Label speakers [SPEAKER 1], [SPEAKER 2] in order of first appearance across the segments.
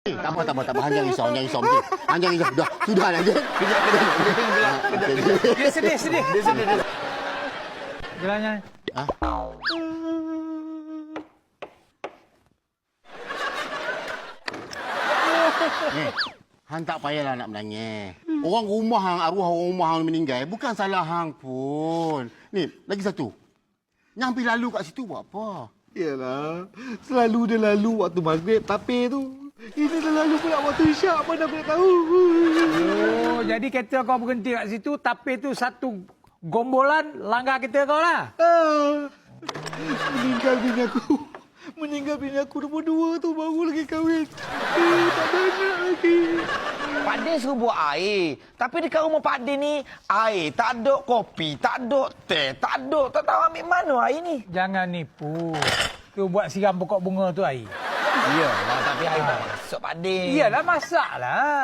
[SPEAKER 1] Tak apa. Hang jangan risau. Hang jangan risau. Sudah lah.
[SPEAKER 2] Dia sedih. Jalan.
[SPEAKER 1] Hang tak payahlah nak menangis. Orang rumah hang, arwah orang rumah hang meninggal, bukan salah hang pun. Ni, lagi satu. Yang pergi lalu kat situ buat apa?
[SPEAKER 3] Yalah, selalu dia lalu waktu maghrib tapi tu. Ini dah lalu pula waktu isyak, mana aku nak tahu.
[SPEAKER 2] Oh, jadi kereta kau berhenti kat situ, tapi tu satu gombolan langgar kereta kau lah. Meninggal bini aku nombor 2 tu baru lagi kahwin. Tak ada anak lagi.
[SPEAKER 4] Pak Din suruh buat air. Tapi dekat rumah Pak Din ni, air tak ada, kopi tak ada, teh tak ada. Tak tahu ambil mana air ni.
[SPEAKER 2] Jangan nipu. Tu buat siram pokok bunga tu air.
[SPEAKER 4] Iyalah, tapi air tak masuk Pak Din.
[SPEAKER 2] Iyalah, masak lah.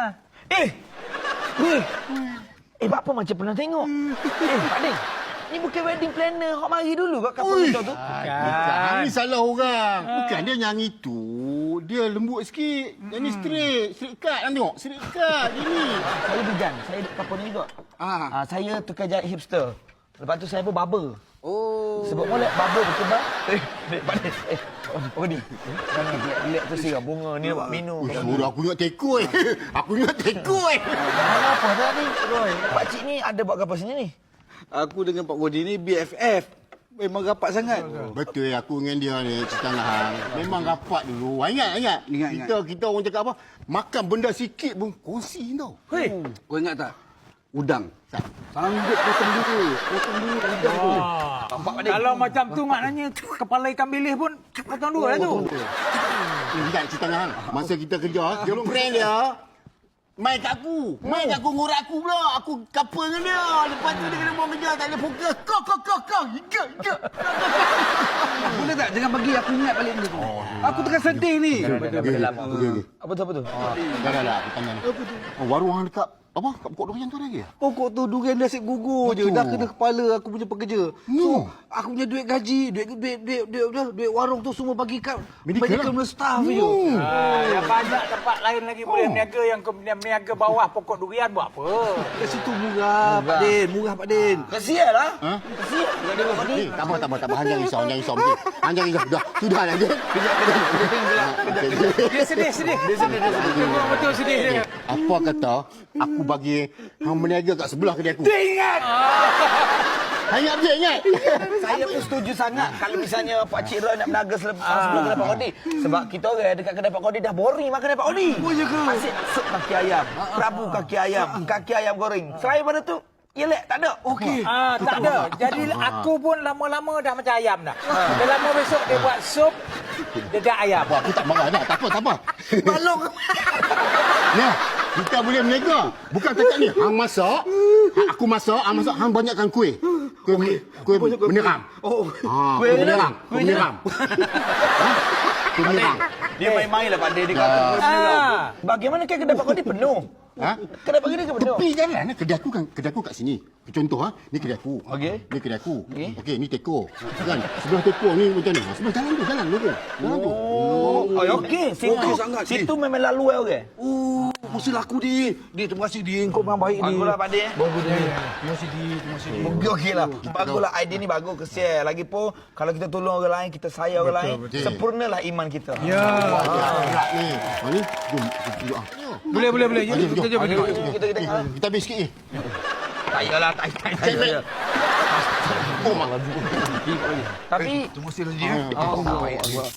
[SPEAKER 4] Apa macam pernah tengok? Pak Din, ni bukan wedding planner. Hok mari dulu kat kapal kita tu.
[SPEAKER 1] Bukan. Ni salah orang. Bukan dia yang itu. Dia lembut sikit. Yang ni straight cut. Hang tengok, straight cut dia ni.
[SPEAKER 4] Saya bigan. Saya duduk kapal ni juga. Saya tukar jahit hipster. Lepas tu saya pun barber. Sebab molek barber berkembang. Pak Din. Oh ni. Jangan lihat tu siram bunga ni nak buat minum.
[SPEAKER 1] Suruh aku ingat tekoi. Aku ingat tekoi.
[SPEAKER 4] Apa tadi? Pak Cik ni ada buat kapal sini ni?
[SPEAKER 3] Aku dengan Pak Godi ni BFF. Memang rapat sangat.
[SPEAKER 1] Betul aku dengan dia ni cerita dengan hang. Memang rapat dulu. Ingat. Kita orang cakap apa? Makan benda sikit pun kongsi tau.
[SPEAKER 2] Hei.
[SPEAKER 3] Kau ingat tak? Udang. Sanggup potong dulu udang tu.
[SPEAKER 2] Kalau macam tu maknanya kepala ikan bilis pun potong dua lah tu.
[SPEAKER 1] Ingat cerita dengan hang. Masa kita kerja, tolong friend dia. Main kat aku ngurat aku pula. Aku couple dengan dia. Lepas tu dia kena buang kerja. Tak boleh fokus. Kau. Ikat.
[SPEAKER 3] Boleh tak? Jangan bagi aku ingat balik benda tu. Aku tengah sedih ni.
[SPEAKER 4] Apa tu?
[SPEAKER 1] Dah. Aku tanya ni. Warung hang dekat apa? Kat pokok durian tu ada lagi?
[SPEAKER 3] Pokok tu durian dia asyik gugur je. Dah kena kepala aku punya pekerja. So, aku punya duit gaji, duit warung tu semua bagi kat medical staff je.
[SPEAKER 2] Banyak tempat lain lagi boleh berniaga yang kau berniaga bawah pokok durian buat apa?
[SPEAKER 3] Kat situ murah, Pak Din. Murah, Pak Din.
[SPEAKER 4] Kesian lah.
[SPEAKER 1] Kesian. Tak apa. Hang jangan risau. Hang jangan risau. Sudah lah.
[SPEAKER 2] Dia sedih. Betul sedih dia.
[SPEAKER 1] Apa kata aku bagi hang berniaga kat sebelah kedai aku?
[SPEAKER 2] Dia ingat.
[SPEAKER 1] Ingat.
[SPEAKER 4] Saya pun setuju sangat kalau misalnya Pak Cik Roy nak berniaga sebelum kedai Pak Kodi. Sebab kita orang dekat kedai Pak Kodi dah boring makan kedai Pak Kodi. Asyik sup kaki ayam, prabu kaki ayam goreng. Selain pada tu, yelek tak ada.
[SPEAKER 3] Okey.
[SPEAKER 2] Tak ada. Jadi aku pun lama-lama dah macam ayam dah. Dah lama besok dia buat sup dedak ayam.
[SPEAKER 1] Aku tak marah dah. Tak apa.
[SPEAKER 4] Balong.
[SPEAKER 1] Nah, kita boleh berniaga. Bukan cakap ni. Hang masak, aku masak, hang banyakkan kuih. Kuih meneram. Kuih meneram. Kuih meneram.
[SPEAKER 4] Dia main-main lah Pak Din. Dia kata bagaimana kan kedai Pak Kodi penuh? Kedai Pak Kodi ke penuh?
[SPEAKER 1] Tepi jalan. Kedai aku kat sini. Contoh ni kedai aku.
[SPEAKER 4] Okey.
[SPEAKER 1] Ni kedai aku. Okey, ni teko. Kan? Sebelah teko ni macam ni. Sebelah jalan lurus. Jalan tu.
[SPEAKER 4] Okey. Situ memang lalu orang.
[SPEAKER 3] Mesti laku dia. Dia terima kasih dia. Kau memang baik dia.
[SPEAKER 4] Baguslah Pak Din.
[SPEAKER 3] Bagus dia. Terima kasih dia.
[SPEAKER 4] Okeylah. Baguslah idea ni bagus. Kesian. Lagipun kalau kita tolong orang lain, kita sayang orang lain, sempurnalah iman kita.
[SPEAKER 1] Ya. Ni. Ni. Jom.
[SPEAKER 2] Boleh. Jom, kita jom.
[SPEAKER 1] Kita habis sikit ni.
[SPEAKER 4] Tak payahlah.
[SPEAKER 1] Oh, malah.
[SPEAKER 4] Tapi
[SPEAKER 3] Terima kasih dia.